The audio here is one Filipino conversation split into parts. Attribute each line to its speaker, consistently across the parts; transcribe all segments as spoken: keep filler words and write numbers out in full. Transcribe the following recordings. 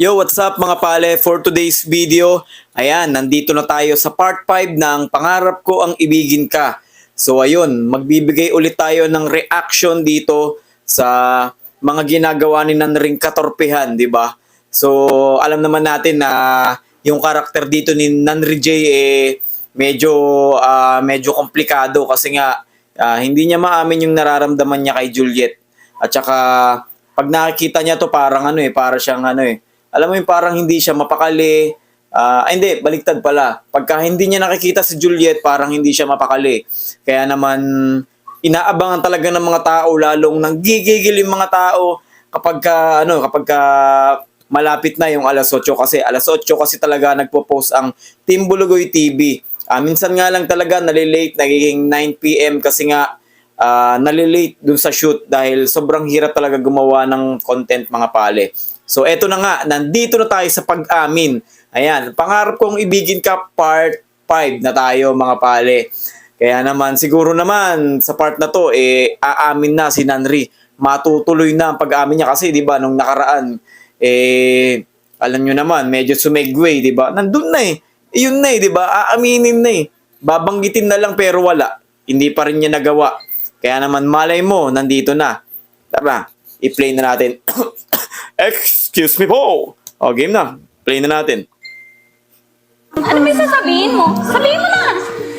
Speaker 1: Yo, what's up mga pale? For today's video, ayan, nandito na tayo sa part five ng Pangarap Ko Ang Ibigin Ka. So ayun, magbibigay ulit tayo ng reaction dito sa mga ginagawa ni Nanring katorpehan, di ba? So alam naman natin na yung karakter dito ni Nanri J eh medyo ah, medyo komplikado kasi nga ah, hindi niya maamin yung nararamdaman niya kay Juliet. At saka pag nakikita niya to parang ano eh, para siyang ano eh. Alam mo yung parang hindi siya mapakali. Ah, ay, hindi, baliktad pala. Pagka hindi niya nakikita si Juliet, parang hindi siya mapakali. Kaya naman inaabangan talaga ng mga tao, lalong nanggigigil yung mga tao kapag ka, ano, kapag ka malapit na yung alas otso kasi alas otso kasi talaga nagpo-post ang Team Bulugoy T V. Ah, minsan nga lang talaga nalilate, nagiging nine p m kasi nga uh, nalilate dun sa shoot dahil sobrang hirap talaga gumawa ng content mga pale. So eto na nga, nandito na tayo sa pag-amin. Ayan, Pangarap Kong Ibigin Ka part five na tayo mga pale. Kaya naman siguro naman sa part na to eh aamin na si Nanri. Matutuloy na ang pag-amin niya kasi 'di ba nung nakaraan eh alam niyo naman medyo sumegway 'di ba? Nandun na eh. Iyon na eh 'di ba? Aaminin na eh. Babanggitin na lang pero wala. Hindi pa rin niya nagawa. Kaya naman malay mo, nandito na. Tara, i-play na natin. Excuse me po. O, game na. Play na natin.
Speaker 2: Ano ba sasabihin mo? Sabihin mo na!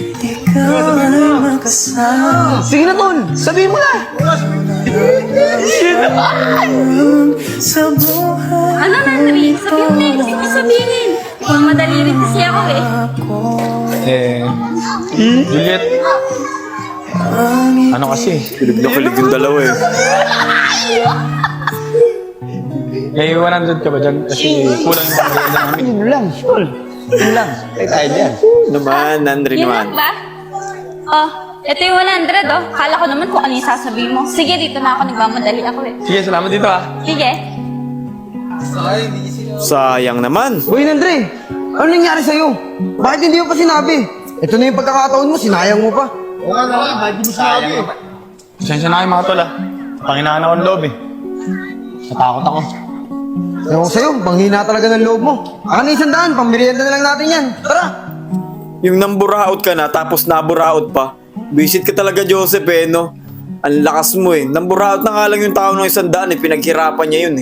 Speaker 3: Sige na, Tol. Sabihin mo na.
Speaker 2: Ano, Nandri? Sabihin mo na yung gusto mo sabihin. Kung madali rin kasi ako eh.
Speaker 4: Eh, Juliet, ano kasi?
Speaker 1: Kilig na kilig yung dalawa eh.
Speaker 4: May one hundred ka ba dyan? Kasi kulang yung pangalaman namin.
Speaker 3: Yun lang, Tol. Yun lang. Tayo tayo dyan.
Speaker 1: Naman, Nandri
Speaker 2: Yun
Speaker 1: naman.
Speaker 2: lang ba? Oh, ito yung one hundred oh. Kala ko naman kung ano yung sasabihin mo. Sige, dito na ako. Nagmamadali ako eh.
Speaker 4: Sige, salamat dito ah.
Speaker 2: Sige.
Speaker 1: Sayang naman.
Speaker 3: Boy, Andre. Ano nangyari sa'yo? Bakit hindi mo pa sinabi? Ito na yung pagkakataon mo, sinayang mo pa.
Speaker 4: Pasensya na kayo mga tol ah. Panginahan ako ng loob eh. Natakot ako.
Speaker 3: Ewan ko sa'yo, banghina talaga ng loob mo. Aka na isang daan, pambirienda na lang natin yan. Tara!
Speaker 1: Yung namburaot ka na, tapos naburaot pa. Visit ka talaga, Joseph eh, no? Ang lakas mo eh. Namburaot na nga lang yung tao ng isang daan eh. Pinaghirapan niya yun eh.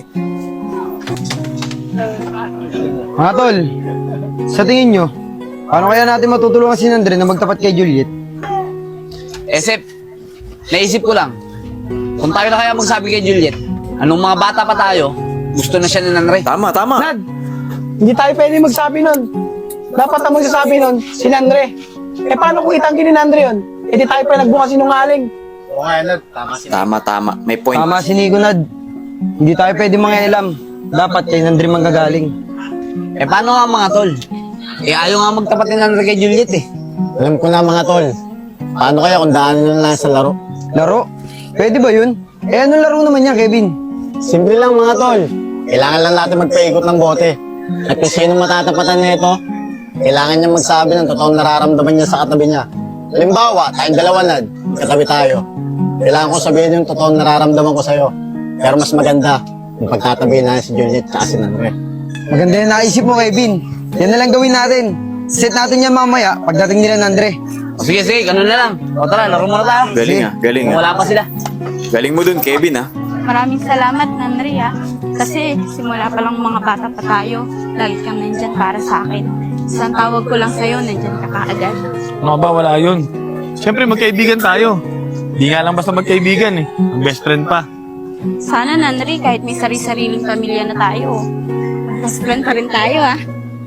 Speaker 3: Mga Tol, sa tingin nyo, paano kaya natin matutulungan si Andre na magtapat kay Juliet?
Speaker 5: Esep, naisip ko lang, kung tayo na kaya magsabi kay Juliet, anong mga bata pa tayo, gusto na siya ni Nanre.
Speaker 1: Tama, tama.
Speaker 6: Nad, hindi tayo pwede magsabi nun. Dapat ang magsasabi nun, si Nandre. Eh paano kung itanggi ni Nandre yun? Eh di tayo pa nagbukas sinungaling.
Speaker 1: Tama, tama. May point.
Speaker 3: Tama si Nico, Nad. Hindi tayo pwede mangialam. Dapat kay Andre manggagaling.
Speaker 5: Eh paano nga mga tol? Eh ayaw nga magtapat ni Nanre kay Juliet eh.
Speaker 7: Alam ko na mga tol. Paano kaya kung daanan na lang sa laro?
Speaker 3: Laro? Pwede ba yun? Eh anong laro naman yan, Kevin?
Speaker 7: Simple lang mga tol. Kailangan lang natin magpaikot ng bote. At kung sino matatapatan na ito, kailangan niya magsabi ng totoong nararamdaman niya sa katabi niya. Halimbawa, tayong dalawa nad, katabi tayo. Kailangan ko sabihin yung totoong nararamdaman ko sa'yo. Pero mas maganda, yung pagkatabi na si Juliet at si Nanre.
Speaker 3: Maganda yung naisip mo, Kevin. Yan na lang gawin natin. Set natin yan mamaya pagdating nila ng Andre.
Speaker 5: O sige sige, ganun na lang. O tara, laro muna tayo.
Speaker 1: Galing ah, galing
Speaker 5: Kung
Speaker 1: ah.
Speaker 5: wala pa sila.
Speaker 1: Galing mo dun, Kevin ah.
Speaker 2: Maraming salamat, Nandri ah. Kasi simula pa lang mga bata pa tayo, lagi kang nandyan para sa akin. Isang tawag ko lang sa'yo, nandyan ka kaagad.
Speaker 4: Ano ba, wala yun. Siyempre, magkaibigan tayo. Di nga lang basta magkaibigan eh. Ang best friend pa.
Speaker 2: Sana, Nandri, kahit may sari-sariling pamilya na tayo, best friend pa rin tayo ah.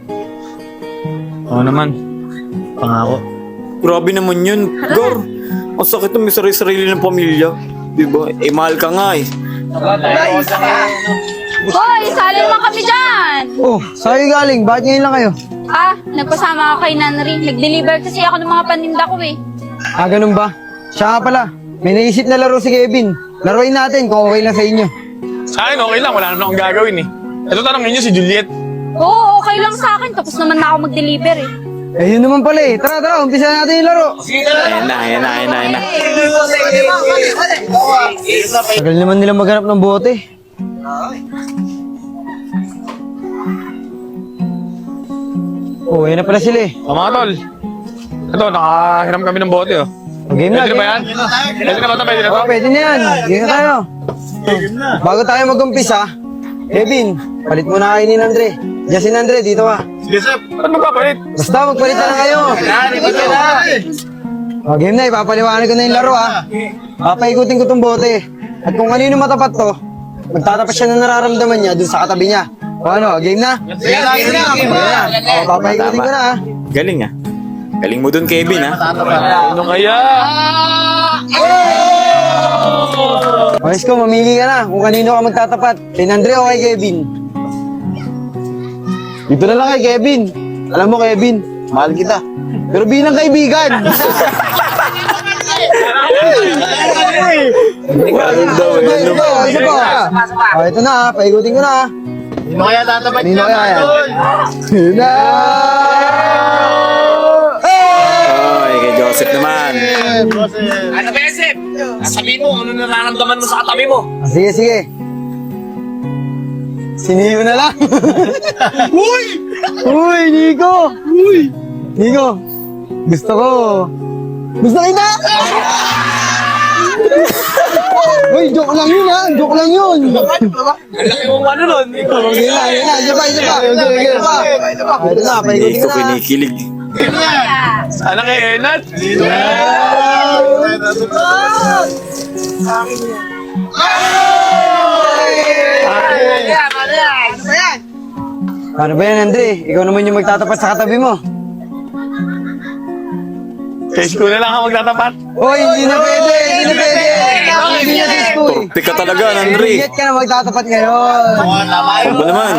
Speaker 4: Oo naman. Pangako.
Speaker 1: Grabe naman yun. Gor, ang sakit ng may sarili-sarili ng pamilya. Diba? Eh, mahal ka nga eh.
Speaker 2: Hoy, sali naman kami dyan!
Speaker 3: Oh, sa'yo galing. Bakit ngayon lang kayo?
Speaker 2: Ah, nagpasama ako kay Nanri. Nag-deliver kasi ako ng mga paninda ko eh.
Speaker 3: Ah, ganun ba? Siya nga pala. May naisip na laro si Kevin. Laruin natin kung okay lang sa inyo.
Speaker 4: Sa akin, okay lang. Wala naman akong gagawin eh. Ito tanongin niyo si Juliet.
Speaker 2: Oo, okay lang sa akin. Tapos naman na ako mag-deliver eh.
Speaker 3: Eh, yun naman pala eh. Tara, tara. Umpisa natin yung laro.
Speaker 1: Ayan na, ayan na, ayan na, ayan na.
Speaker 3: Tagal naman nila maghanap ng bote. Oh, ayun na pala sila eh.
Speaker 4: O mga tol, ito, nakahiram kami ng bote, oh.
Speaker 3: Game na,
Speaker 4: Pwede na ba
Speaker 3: game
Speaker 4: yan? Pwede na ba ito? Pwede na
Speaker 3: Oh,
Speaker 4: ito?
Speaker 3: pwede na yan. Game na tayo. Bago tayo mag-umpisa, Kevin, palit muna kayo ni Andre. Justin Andre, dito ka.
Speaker 4: Sige, sir. Ba't magpapalit?
Speaker 3: Basta, magpalit na lang kayo. Oh, game na, ipapaliwanag ko na yung laro ha. Papaikutin ko tong bote. At kung kanino matapat to, magtatapat siya ng nararamdaman niya dun sa katabi niya. O ano, game na?
Speaker 5: Sige na, game na, game na.
Speaker 3: O, papaikutin ko na ha.
Speaker 1: Galing ah. Galing mo dun, Kevin ah.
Speaker 4: Ano kaya?
Speaker 3: Ayos ko, mamili ka na kung kanino ka magtatapat. Kay Andre o kay Kevin? Dito na lang kay Kevin. Alam mo, Kevin, mahal kita. Pero bilang kaibigan.
Speaker 1: Ganun daw eh.
Speaker 3: Ito po, ito po. O, ito na ha, paikutin ko na ha.
Speaker 7: Sino kaya tatapat
Speaker 3: Kanino kaya yan? Yun na!
Speaker 1: Oy, kay Joseph naman.
Speaker 5: Ano ba, Sep? Sabihin mo, ano nararamdaman mo sa katabi mo?
Speaker 3: Ah, sige, sige. Siniyo na lang. Uy! Uy, Nico! Uy! Nico, gusto ko. Gusto kita! Uy, joke lang yun ha! Joke lang yun!
Speaker 5: Ang laki mong ano nun.
Speaker 3: Yun na, yun na, isa pa, isa pa. Isa pa. Ito na,
Speaker 1: Hindi
Speaker 3: paikutin
Speaker 1: ko
Speaker 3: ko na.
Speaker 1: kinikilig.
Speaker 4: Sana kay Enat?
Speaker 3: Paano ba yan, Andre? Ikaw naman yung magtatapat sa katabi mo.
Speaker 4: Kay school na lang ako magtatapat.
Speaker 3: Hoy, hindi na pwede! Hindi na pwede! Hindi na disco eh.
Speaker 1: Turpi ka talaga, Andre.
Speaker 3: Juliet ka na magtatapat ngayon.
Speaker 1: Ano ba naman?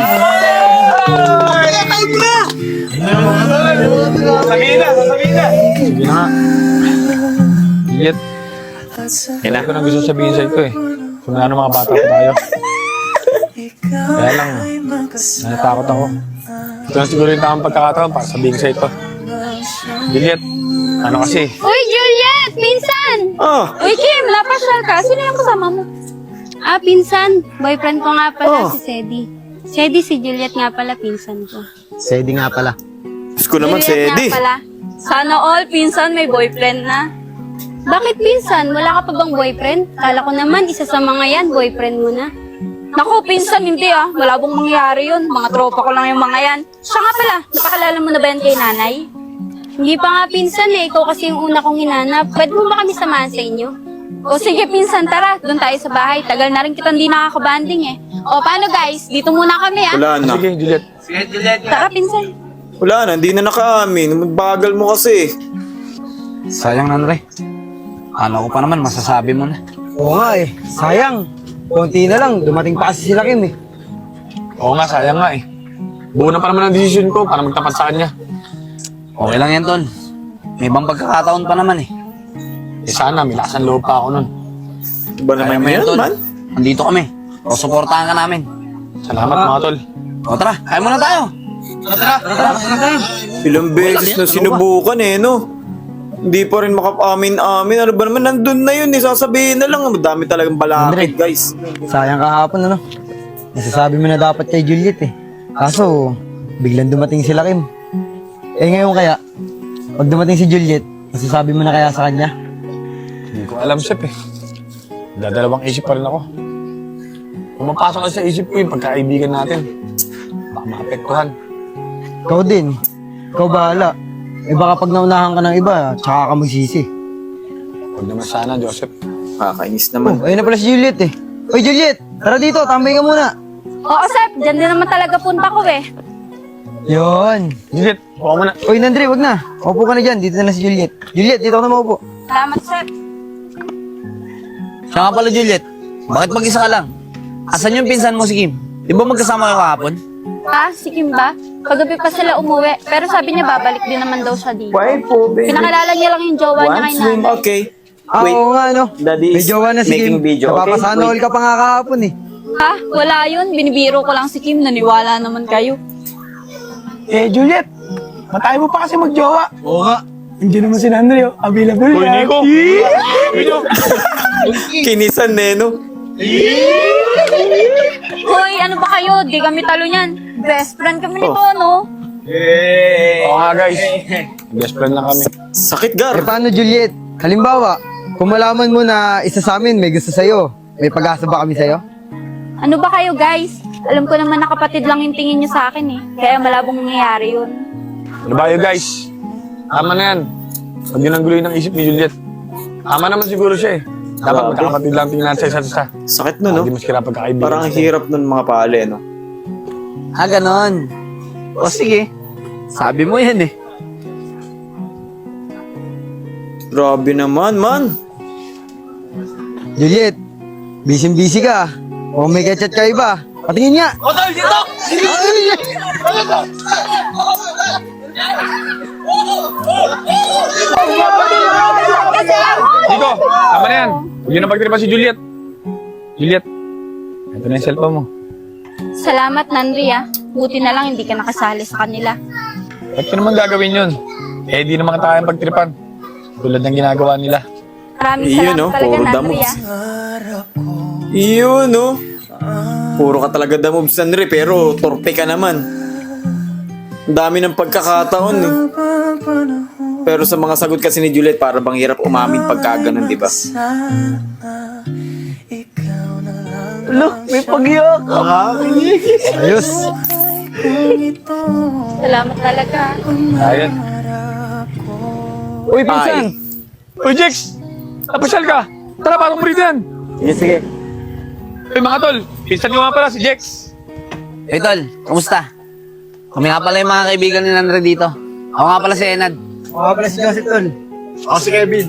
Speaker 4: Sabihin na, sabihin na. Sige na nga. Juliet,
Speaker 1: Yan na.
Speaker 4: ito nang gusto sabihin sa ito eh. Kung ano mga bata pa tayo. Kaya lang, natatakot ako. Ito na siguro yung tamang pagkakataon para sabihin sa ito. Juliet, ano kasi?
Speaker 2: Uy, Juliet! Pinsan!
Speaker 1: Ah,
Speaker 2: Uy, Kim! Napasyal ka. Sino yung kasama mo? Ah, pinsan. Boyfriend ko nga pala
Speaker 1: Oh.
Speaker 2: si Sedi. Sedi, si Juliet nga pala, pinsan ko.
Speaker 3: Sedi nga pala.
Speaker 1: Diyos ko naman, si
Speaker 2: Juliet
Speaker 1: Eddie.
Speaker 2: nga pala. Sana all, pinsan, may boyfriend na. Bakit pinsan? Wala ka pa bang boyfriend? Kala ko naman, isa sa mga yan, boyfriend mo na. Naku, pinsan, hindi ah. Wala bang mangyayari yun. Mga tropa ko lang yung mga yan. Siya nga pala, napakalala mo na ba yan kay nanay? Hindi pa nga pinsan eh. Ikaw kasi yung una kong hinanap. Pwede mo ba kami samahan sa inyo? O sige pinsan, tara. Doon tayo sa bahay. Tagal na rin kita hindi nakakabanding eh. O paano guys? Dito muna kami ah.
Speaker 1: Wala na.
Speaker 4: Sige, Juliet.
Speaker 5: Sige, Juliet.
Speaker 2: Tara pinsan.
Speaker 1: Wala na, hindi na nakaamin. Bagal mo kasi.
Speaker 5: Sayang, Andre. Ano ko pa naman, masasabi mo na.
Speaker 3: Oo nga eh. Sayang. Konti na lang. Dumating pa kasi sila Kim eh.
Speaker 4: Oo nga, sayang nga eh. Buo na pa naman ang desisyon ko para magtapat sa kanya.
Speaker 5: Okay lang yan, Tol. May ibang pagkakataon pa naman eh.
Speaker 4: Eh sana, may lakas ng loob pa ako nun.
Speaker 1: Iba naman
Speaker 5: Kaya mo
Speaker 1: yan,
Speaker 5: Tol.
Speaker 1: man.
Speaker 5: Andito kami. O, supportahan ka namin.
Speaker 4: Salamat mga tol.
Speaker 5: O, tara. Kaya muna tayo.
Speaker 1: Ilang beses na sinubukan eh, no? Hindi pa rin makapaamin-amin. Ano ba naman, nandun na yun eh. Sasabihin na lang. Madami talagang balakid, guys.
Speaker 3: Sayang kahapon ano. Nasasabi mo na dapat kay Juliet eh. Kaso, biglang dumating sila Kim. Eh ngayon kaya, pag dumating si Juliet, masasabi mo na kaya sa kanya?
Speaker 4: Hindi ko alam, Sep eh. Dadalawang isip pa rin ako. Pumapasok kasi sa isip ko yung pagkaibigan natin. Baka maapektuhan.
Speaker 3: Ikaw din. Ikaw bahala. Eh baka pag naunahan ka ng iba, tsaka ka magsisi.
Speaker 4: Huwag naman sana, Joseph.
Speaker 1: Kakainis
Speaker 3: Oh,
Speaker 1: naman.
Speaker 3: ayun na pala si Juliet eh. Oy Juliet, tara dito, tambay ka muna.
Speaker 2: Oo, Sep. Diyan din naman talaga punta ko eh.
Speaker 3: Yon.
Speaker 4: Juliet, huwag mo na.
Speaker 3: Oy Nandre, wag na. Upo ka na dyan, dito na si Juliet. Juliet, dito ka na maupo.
Speaker 2: Salamat, Sep.
Speaker 5: Siya nga pala, Juliet. Bakit mag-isa ka lang? Asan yung pinsan mo si Kim? Di ba magkasama kayo kahapon?
Speaker 2: Ah, si Kim ba? Kagabi pa sila umuwi. Pero sabi niya babalik din naman daw siya dito.
Speaker 1: Why po, baby?
Speaker 2: Pinakilala niya lang yung jowa niya kay
Speaker 1: One swim,
Speaker 2: nanay.
Speaker 1: okay.
Speaker 3: Ah,
Speaker 1: Wait,
Speaker 3: oo nga no.
Speaker 1: Daddy
Speaker 3: May
Speaker 1: is
Speaker 3: jowa na si
Speaker 1: making
Speaker 3: Kim.
Speaker 1: video, okay?
Speaker 3: Napapasana all
Speaker 1: Wait.
Speaker 3: ka pa nga kahapon eh.
Speaker 2: Ha? Wala yun. Binibiro ko lang si Kim. Naniwala naman kayo.
Speaker 6: Eh, Juliet, matay mo pa kasi magjowa.
Speaker 3: Oo nga.
Speaker 6: Andiyan naman si Andre, oh. Available
Speaker 4: Uy,
Speaker 6: yan.
Speaker 4: Nico! Nico!
Speaker 1: Kinisan eh, no?
Speaker 2: Hoy, ano ba kayo? Di kami talo niyan. Best friend kami nito,
Speaker 1: Oh.
Speaker 2: no?
Speaker 4: Oo nga guys. Best friend lang kami.
Speaker 1: Sakit, Gar.
Speaker 3: Eh paano, Juliet? Halimbawa, kung malaman mo na isa sa amin may gusto sa'yo, may pag-asa ba kami sa'yo?
Speaker 2: Ano ba kayo guys? Alam ko naman na kapatid lang yung tingin nyo sa akin eh. Kaya malabong nangyayari yun.
Speaker 4: Ano ba yun guys? Tama na yan. Huwag yun ang guloy ng isip ni Juliet. Tama naman siguro siya eh. Dapat
Speaker 1: Grabe.
Speaker 4: magkakapatid lang tingnan sa isa't isa.
Speaker 1: Sakit nun, no?
Speaker 4: Hindi mas kira pagkakaibigan.
Speaker 1: Parang ang hirap nun mga pale, no?
Speaker 5: Ah, ganon. O sige. Sabi mo yan eh.
Speaker 1: Grabe naman, man.
Speaker 3: Juliet, busy-busy ka. O may kachat ka iba. Patingin nga.
Speaker 4: Nico, tama na yan. Huwag yun ang pagtripa si Juliet. Juliet, ito na yung cellphone mo.
Speaker 2: Salamat Nandri ah. Buti na lang hindi ka nakasali sa kanila.
Speaker 4: Ba't ko naman gagawin yun? Eh, di naman tayo pagtripan. Tulad ng ginagawa nila.
Speaker 2: Maraming
Speaker 1: Iyon,
Speaker 2: salamat
Speaker 1: no?
Speaker 2: talaga
Speaker 1: Puro
Speaker 2: Nandri
Speaker 1: damot.
Speaker 2: ah.
Speaker 1: Iyon, no? Puro ka talaga damobs, Andre, pero torpe ka naman. Ang dami ng pagkakataon, eh. Pero sa mga sagot kasi ni Juliet, para bang hirap umamin pagka ganun, di ba?
Speaker 6: Look, may pagyak.
Speaker 3: Ayos.
Speaker 2: Salamat talaga.
Speaker 4: Ayun.
Speaker 6: Uy, pinsan.
Speaker 4: Uy, Jex! Napasyal ka! Tara, parang mo rito yan!
Speaker 3: Sige, sige.
Speaker 4: Uy, mga tol! Pinsan ko nga pala si Jex!
Speaker 5: Hey tol, kamusta? Kami nga pala yung mga kaibigan ni Nandre dito. Ako nga pala si Enad.
Speaker 3: O nga pala si Joseph Tol.
Speaker 1: Ako si Kevin.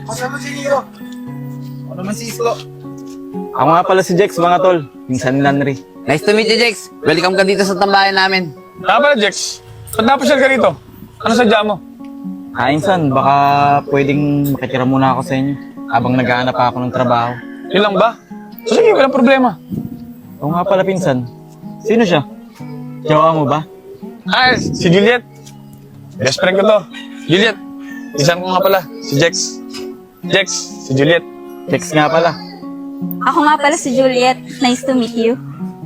Speaker 1: Ako nga pala si Jex, mga tol. Minsan ni Lanry.
Speaker 5: Nice to meet you, Jex. Welcome ka dito sa tambayan namin.
Speaker 4: Tara pala, Jex! Ba't napasyal ka rito? Ano sadya mo?
Speaker 8: Ah, insan, baka pwedeng makitira muna ako sa inyo habang naghahanap pa ako ng trabaho.
Speaker 4: Yun lang ba? So sige, walang problema.
Speaker 8: Oo nga pala, pinsan. Sino siya? Jowa mo ba?
Speaker 4: Ah, si Juliet. Best friend ko to. Juliet, isang ko nga pala, si Jex. Jex, si Juliet.
Speaker 8: Text nga pala.
Speaker 2: Ako nga pala si Juliet. Nice to meet you.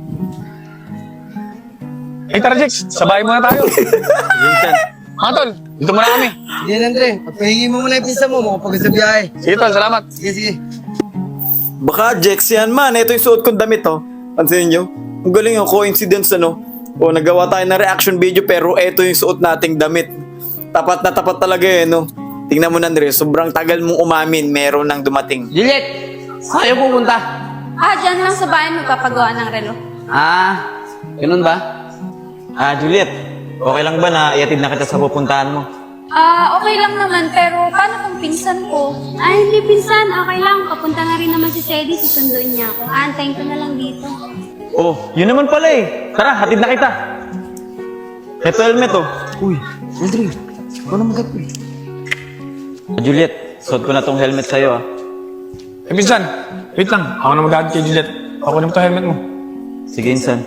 Speaker 4: Eh tara, Jex, sabay muna tayo. Mga tol, dito muna kami.
Speaker 3: Sige, Andre. Pagpahingi mo muna yung pinsan mo, makapagod sa biyahe.
Speaker 4: Sige tol, salamat.
Speaker 3: Sige, sige.
Speaker 1: Baka Jex yan, man. Ito yung suot kong damit, oh. Pansin nyo? Ang galing yung coincidence, ano? O, nagawa tayo ng reaction video, pero ito yung suot nating damit. Tapat na tapat talaga, eh, no? Tingnan mo na, Andre. Sobrang tagal mong umamin, meron nang dumating.
Speaker 5: Juliet, saan kayo pupunta?
Speaker 2: Ah, dyan lang sa bahay magpapagawa ng relo.
Speaker 5: Ah, ganun ba?
Speaker 8: Ah, Juliet, okay lang ba na iatid na kita sa pupuntahan mo?
Speaker 2: Ah, okay lang naman, pero paano kung pinsan ko? Ay, hindi pinsan, okay lang. Papunta nga rin naman si Sedi, susunduin niya ako. Aantayin ko na lang dito.
Speaker 8: Oh, yun naman pala eh. Tara, hatid na kita. Ito helmet oh.
Speaker 3: Uy, Andre. Ikaw na mag
Speaker 8: Ah, Juliet, suot ko na tong helmet sa'yo ah.
Speaker 4: Eh pinsan, wait lang. Ako na mag-aad kay Juliet. Ako na mo itong helmet mo.
Speaker 8: Sige, insan.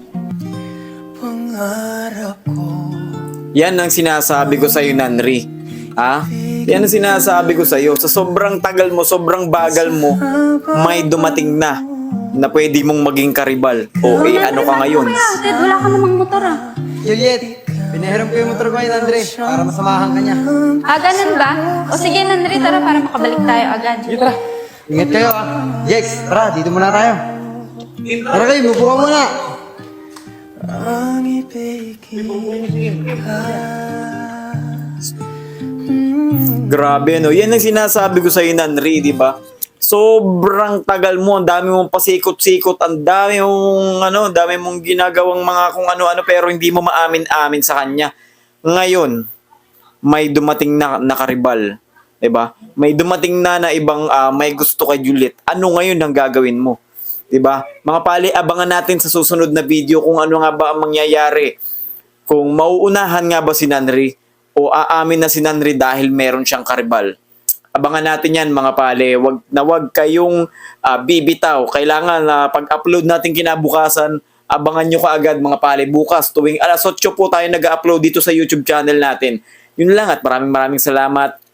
Speaker 1: Yan ang sinasabi ko sa'yo, Nanri. Ha? Yan ang sinasabi ko sa'yo. Sa sobrang tagal mo, sobrang bagal mo, may dumating na na pwede mong maging karibal. O, eh, ano ka ngayon?
Speaker 2: Ted, wala ka namang motor ah.
Speaker 3: Juliet, pinahiram ko yung motor ko kay Andre para masamahan ka niya.
Speaker 2: Ah, ganun ba? O sige, Nandri, tara para makabalik tayo agad.
Speaker 4: Sige tara.
Speaker 3: Ingat kayo ah. Jex, tara, dito muna tayo. Tara kayo, mupo ka muna.
Speaker 1: Grabe, no? Yan ang sinasabi ko sa'yo, Nanri, di ba? Sobrang tagal mo, ang dami mong pasikot-sikot, ang dami mong, ano, dami mong ginagawang mga kung ano-ano, pero hindi mo maamin-amin sa kanya. Ngayon, may dumating na nakaribal, di ba? May dumating na na ibang ah, may gusto kay Juliet. Ano ngayon ang gagawin mo? Di ba? Mga pali, abangan natin sa susunod na video kung ano nga ba ang mangyayari. Kung mauunahan nga ba si Nanri o aamin na si Nanri dahil meron siyang karibal. Abangan natin yan mga pale. Wag na wag kayong ah, bibitaw. Kailangan na pag-upload natin kinabukasan, abangan nyo kaagad mga pale. Bukas tuwing alas otso po tayo nag-upload dito sa YouTube channel natin. Yun lang at maraming maraming salamat.